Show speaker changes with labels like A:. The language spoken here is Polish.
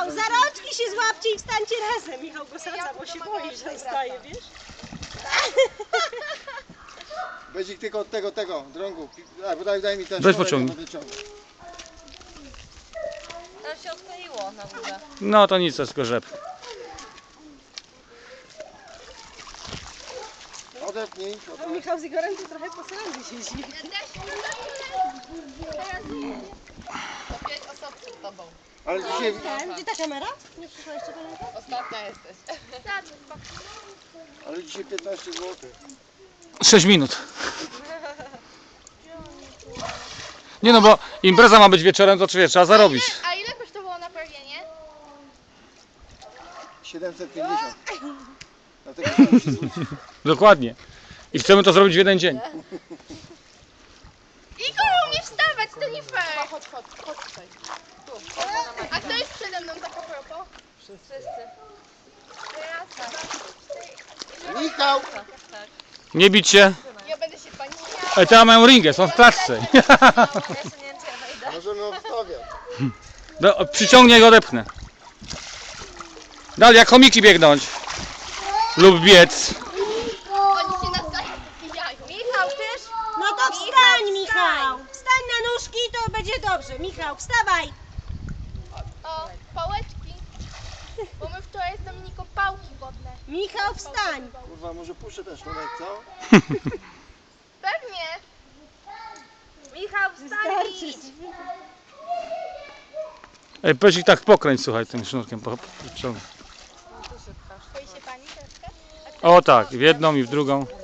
A: Michał, za rączki się złapcie i wstańcie razem. Michał go sadza, bo się boi, że wstaje, wiesz?
B: Będzie tylko od tego drągu. Daj mi ten
C: Weź
B: sznurek,
C: pociągnij.
B: ja będę ciągnął.
D: Tam się odkleiło na górze.
C: No to nic, to tylko rzep.
B: Odepnij.
A: No, Michał z Igorem to trochę po sądzie siedzi.
D: To 5 osób przed tobą.
B: Ale dzisiaj...
A: Gdzie ta kamera? Nie przyszła jeszcze pamiętam?
D: Ostatnia jesteś.
B: Ale dzisiaj 15 zł.
C: 6 minut. Nie no, bo impreza ma być wieczorem, to trzeba zarobić.
E: A ile kosztowało naprawienie?
B: 750. Dlatego się musi zwrócić.
C: Dokładnie. I chcemy to zrobić w jeden dzień.
E: Igor, nie wstawać, to nie fair.
D: Chodź tutaj.
E: A kto jest przede mną tak a propos?
D: Wszyscy.
B: Michał!
C: Nie bić się.
E: Ja będę się pani śmiała.
C: Ej, teraz mają ringę, są w klatce.
D: Ja jeszcze nie wiem, czy ja wejdę.
B: Możemy obstawiać.
C: Przyciągnie i odepnę. Dalej, jak chomiki biegnąć. Lub biec.
E: Oni się nawzajem wybijają.
D: Michał, też?
A: No to wstań, Michał! Wstań na nóżki i to będzie dobrze. Michał, wstawaj!
E: O, pałeczki. Bo my wczoraj z Dominiką pałki wodne.
A: Michał, wstań!
B: Kurwa, może puszczę ten sznurek, co?
E: Pewnie.
D: Michał, wstań
A: Wystarczy.
D: i idź.
C: Ej, powiedz ich tak pokręć, słuchaj, tym sznurkiem. Ciągnij.
E: Boi się pani troszkę?
C: O tak, w jedną i w drugą.